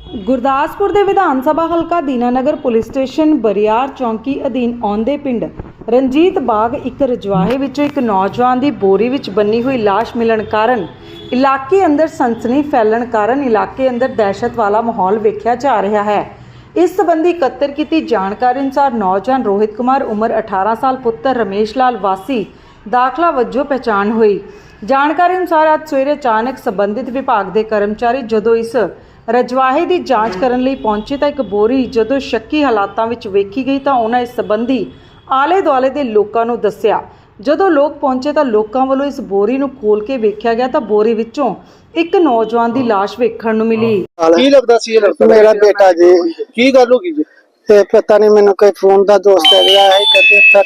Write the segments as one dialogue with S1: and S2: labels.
S1: ਗੁਰਦਾਸਪੁਰ ਦੇ ਵਿਧਾਨ ਸਭਾ ਹਲਕਾ ਦੀਨਾਨਗਰ ਪੁਲਿਸ ਸਟੇਸ਼ਨ ਬਰਿਆਰ ਚੌਂਕੀ ਅਧੀਨ ਆਉਂਦੇ ਪਿੰਡ ਰਣਜੀਤ ਬਾਗ ਇੱਕ ਰਜਵਾਹੇ ਵਿੱਚੋਂ ਇੱਕ ਨੌਜਵਾਨ ਦੀ ਬੋਰੀ ਵਿੱਚ ਬੰਨੀ ਹੋਈ ਲਾਸ਼ ਮਿਲਣ ਕਾਰਨ ਇਲਾਕੇ ਅੰਦਰ ਸਨਸਨੀ ਫੈਲਣ ਕਾਰਨ ਇਲਾਕੇ ਅੰਦਰ ਦਹਿਸ਼ਤ ਵਾਲਾ ਮਾਹੌਲ ਵੇਖਿਆ ਜਾ ਰਿਹਾ ਹੈ। ਇਸ ਸੰਬੰਧੀ ਇਕੱਤਰ ਕੀਤੀ ਜਾਣਕਾਰੀ ਅਨੁਸਾਰ ਨੌਜਵਾਨ ਰੋਹਿਤ ਕੁਮਾਰ ਉਮਰ 18 ਸਾਲ ਪੁੱਤਰ ਰਮੇਸ਼ ਲਾਲ ਵਾਸੀ ਦਾਖਲਾ ਵਜੋਂ ਪਹਿਚਾਣ ਹੋਈ। ਜਾਣਕਾਰੀ ਅਨੁਸਾਰ ਅੱਜ ਸਵੇਰੇ ਅਚਾਨਕ ਸੰਬੰਧਿਤ ਵਿਭਾਗ ਦੇ ਕਰਮਚਾਰੀ ਜਦੋਂ ਇਸ ਰਜਵਾਹੇ ਦੀ ਜਾਂਚ ਕਰਨ ਲਈ ਪਹੁੰਚੇ ਤਾਂ ਇੱਕ ਬੋਰੀ ਜਦੋਂ ਸ਼ੱਕੀ ਹਾਲਾਤਾਂ ਵਿੱਚ ਵੇਖੀ ਗਈ ਤਾਂ ਉਹਨਾਂ ਇਸ ਸੰਬੰਧੀ ਆਲੇ ਦੁਆਲੇ ਦੇ ਲੋਕਾਂ ਨੂੰ ਦੱਸਿਆ। ਜਦੋਂ ਲੋਕ ਪਹੁੰਚੇ ਤਾਂ ਲੋਕਾਂ ਵੱਲੋਂ ਇਸ ਬੋਰੀ ਨੂੰ ਖੋਲ ਕੇ ਵੇਖਿਆ ਗਿਆ ਤਾਂ ਬੋਰੀ ਵਿੱਚੋਂ ਇੱਕ ਨੌਜਵਾਨ ਦੀ ਲਾਸ਼ ਵੇਖਣ ਨੂੰ ਮਿਲੀ।
S2: ਕੀ ਲੱਗਦਾ ਸੀ ਇਹ ਲੜਕਾ?
S3: ਮੇਰਾ ਬੇਟਾ ਜੀ।
S2: ਕੀ ਗੱਲ ਹੋ ਗਈ ਜੀ?
S3: ਤੇ ਪਤਾ ਨਹੀਂ ਮੈਨੂੰ ਕੋਈ ਫੋਨ ਦਾ ਦੋਸਤ ਆ ਗਿਆ ਹੈ ਕਹਿੰਦੇ ਇੱਥੇ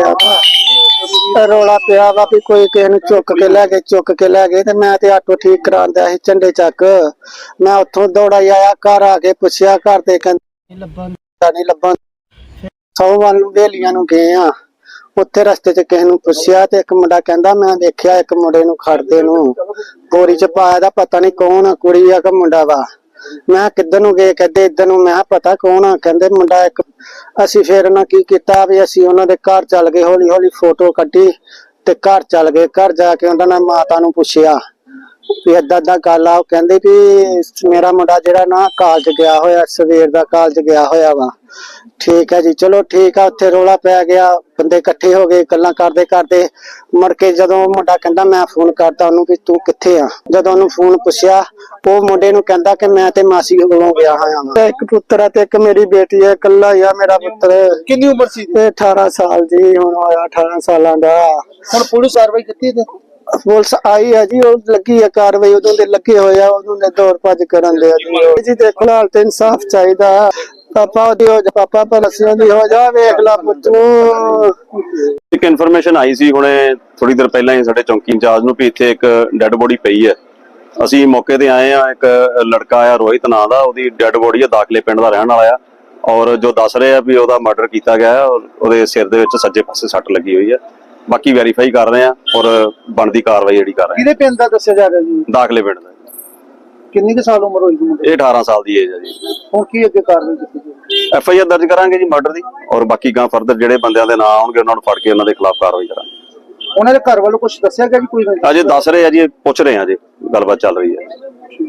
S3: ਰੌਲਾ ਪਿਆ ਵਾ ਵੀ ਕੋਈ ਕਿਸੇ ਨੂੰ ਚੁੱਕ ਕੇ ਲੈ ਗਏ ਤੇ ਮੈਂ ਤੇ ਆਟੋ ਠੀਕ ਕਰਾਉਂਦਾ ਸੀ ਝੰਡੇ ਚੱਕ। ਮੈਂ ਉੱਥੋਂ ਦੌੜਾ ਆਇਆ, ਘਰ ਆ ਕੇ ਪੁੱਛਿਆ, ਘਰ ਦੇ ਕਹਿੰਦੇ ਨਹੀਂ ਲੱਭਣ 100 ਵੱਲ ਨੂੰ ਵੇਲੀਆਂ ਨੂੰ ਗਏ ਆ। ਉੱਥੇ ਰਸਤੇ 'ਚ ਕਿਸੇ ਨੂੰ ਪੁੱਛਿਆ ਤੇ ਇੱਕ ਮੁੰਡਾ ਕਹਿੰਦਾ ਮੈਂ ਦੇਖਿਆ ਇੱਕ ਮੁੰਡੇ ਨੂੰ ਖੜਦੇ ਨੂੰ ਬੋਰੀ 'ਚ ਪਾਇਆ ਦਾ, ਪਤਾ ਨਹੀਂ ਕੌਣ ਆ, ਕੁੜੀ ਆ ਕਿ ਮੁੰਡਾ ਵਾ। ਮੈਂ ਕਿੱਧਰ ਨੂੰ ਗਏ, ਕਹਿੰਦੇ ਇੱਧਰ ਨੂੰ। ਮੈਂ ਪਤਾ ਕੌਣ ਆ, ਕਹਿੰਦੇ ਮੁੰਡਾ ਇੱਕ। ਅਸੀਂ ਫਿਰ ਉਹਨਾਂ ਕੀ ਕੀਤਾ ਵੀ ਅਸੀਂ ਉਹਨਾਂ ਦੇ ਘਰ ਚੱਲ ਗਏ, ਹੌਲੀ ਹੌਲੀ ਫੋਟੋ ਕੱਢੀ ਤੇ ਘਰ ਚੱਲ ਗਏ। ਘਰ ਜਾ ਕੇ ਉਹਨਾਂ ਨੇ ਮਾਤਾ ਨੂੰ ਪੁੱਛਿਆ ਵੀ ਏਦਾਂ ਗੱਲ ਆ। ਉਹ ਕਹਿੰਦੇ ਵੀ ਮੇਰਾ ਮੁੰਡਾ ਜਿਹੜਾ ਨਾ ਕਾਲਜ ਗਿਆ ਹੋਇਆ, ਸਵੇਰ ਦਾ ਕਾਲਜ ਗਿਆ ਹੋਇਆ ਵਾ। ਠੀਕ ਹੈ ਜੀ, ਚਲੋ ਠੀਕ ਆ। ਉੱਥੇ ਰੌਲਾ ਪੈ ਗਿਆ, ਬੰਦੇ ਇਕੱਠੇ ਹੋ ਗਏ, ਗੱਲਾਂ ਕਰਦੇ ਕਰਦੇ ਮੁੜ ਕੇ ਜਦੋਂ ਮੁੰਡਾ ਕਹਿੰਦਾ ਮੈਂ ਫੋਨ ਕਰਤਾ ਉਹਨੂੰ ਵੀ ਤੂੰ ਕਿੱਥੇ ਆ। ਜਦੋਂ ਉਹਨੂੰ ਫੋਨ ਪੁੱਛਿਆ ਉਹ ਮੁੰਡੇ ਨੂੰ ਕਹਿੰਦਾ ਕਿ ਮੈਂ ਤੇ ਮਾਸੀ ਕੋਲੋਂ ਗਿਆ ਹੋਇਆ ਵਾਂ। ਇੱਕ ਪੁੱਤਰ ਆ ਤੇ ਇੱਕ ਮੇਰੀ ਬੇਟੀ ਹੈ, ਇਕੱਲਾ ਹੀ ਆ ਮੇਰਾ ਪੁੱਤਰ।
S2: ਕਿੰਨੀ ਉਮਰ ਸੀ?
S3: 18 ਸਾਲ ਜੀ, ਹੁਣ ਹੋਇਆ 18 ਸਾਲਾਂ ਦਾ।
S2: ਹੁਣ ਪੁਲਿਸ ਕਾਰਵਾਈ ਕੀਤੀ ਤੇ
S3: ਪੁਲਿਸ ਆਈ ਹੈ ਜੀ, ਉਹ ਲੱਗੀ ਹੈ ਕਾਰਵਾਈ, ਉਦੋਂ ਦੇ ਲੱਗੇ ਹੋਏ ਆ, ਉਦੋਂ ਦੇ ਦੌੜ ਭੱਜ ਕਰਨ ਦੇ ਜੀ। ਦੇਖੋ ਨਾਲ ਤੇ ਇਨਸਾਫ ਚਾਹੀਦਾ। ਪਾਪਾ ਉਹਦੀ ਹੋ ਜਾ, ਪਾਪਾ ਪਲਸੀਆਂ ਦੀ ਹੋ ਜਾ, ਵੇਖ ਲਾ ਪੁੱਤ ਨੂੰ।
S4: ਇੱਕ ਇਨਫੋਰਮੇਸ਼ਨ ਆਈ ਸੀ ਹੁਣੇ ਥੋੜੀ ਦੇਰ ਪਹਿਲਾਂ ਹੀ ਸਾਡੇ ਚੌਂਕੀ ਇੰਚਾਰਜ ਨੂੰ ਵੀ ਇੱਥੇ ਇੱਕ ਡੈੱਡ ਬੋਡੀ ਪਈ ਹੈ। ਅਸੀਂ ਮੌਕੇ ਤੇ ਆਏ ਆ। ਇੱਕ ਲੜਕਾ ਆ ਰੋਹਿਤ ਨਾਂ ਦਾ, ਉਹਦੀ ਡੈੱਡ ਬੋਡੀ ਆ, ਦਾਖਲੇ ਪਿੰਡ ਦਾ ਰਹਿਣ ਵਾਲਾ ਆ। ਔਰ ਜੋ ਦੱਸ ਰਹੇ ਆ ਵੀ ਉਹਦਾ ਮਰਡਰ ਕੀਤਾ ਗਿਆ ਹੈ ਔਰ ਉਹਦੇ ਸਿਰ ਦੇ ਵਿੱਚ ਸੱਜੇ ਪਾਸੇ ਸੱਟ ਲੱਗੀ ਹੋਈ ਹੈ। ਬਾਕੀ ਵੈਰੀਫਾਈ ਕਰ ਰਹੇ ਆ ਔਰ ਬਣਦੀ ਕਾਰਵਾਈ ਜਿਹੜੀ ਕਰ ਰਹੇ ਆ।
S2: ਕਿਹਦੇ ਪਿੰਡ ਦਾ ਦੱਸਿਆ ਜਾ ਰਿਹਾ ਜੀ?
S4: ਦਾਖਲੇ ਪਿੰਡ ਦਾ।
S2: ਕਿੰਨੀ ਕੁ ਸਾਲ ਉਮਰ ਹੋਈ ਜੀ?
S4: ਇਹ 18 ਸਾਲ ਦੀ ਏਜ ਹੈ ਜੀ।
S2: ਹੁਣ ਕੀ ਅੱਗੇ ਕਾਰਵਾਈ ਕੀਤੀ ਜਾਊਗੀ?
S4: FIR ਦਰਜ ਕਰਾਂਗੇ ਜੀ ਮਰਡਰ ਦੀ, ਔਰ ਬਾਕੀ ਗਾਂ ਫਰਦਰ ਜਿਹੜੇ ਬੰਦਿਆਂ ਦੇ ਨਾਂ ਆਉਣਗੇ ਉਹਨਾਂ ਨੂੰ ਫੜ ਕੇ ਉਹਨਾਂ ਦੇ ਖਿਲਾਫ ਕਾਰਵਾਈ ਕਰਾਂਗੇ।
S2: ਉਹਨਾਂ ਦੇ ਘਰ ਵੱਲੋਂ ਕੁਝ ਦੱਸਿਆ ਗਿਆ ਜੀ? ਕੋਈ
S4: ਅਜੇ ਦੱਸ ਰਹੇ ਆ ਜੀ, ਪੁੱਛ ਰਹੇ ਆ ਜੀ, ਗੱਲਬਾਤ ਚੱਲ ਰਹੀ ਹੈ।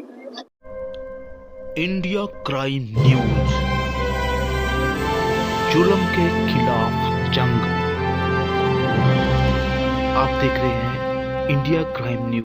S5: इंडिया क्राइम न्यूज, जुल्म के खिलाफ जंग। आप देख रहे हैं इंडिया क्राइम न्यूज।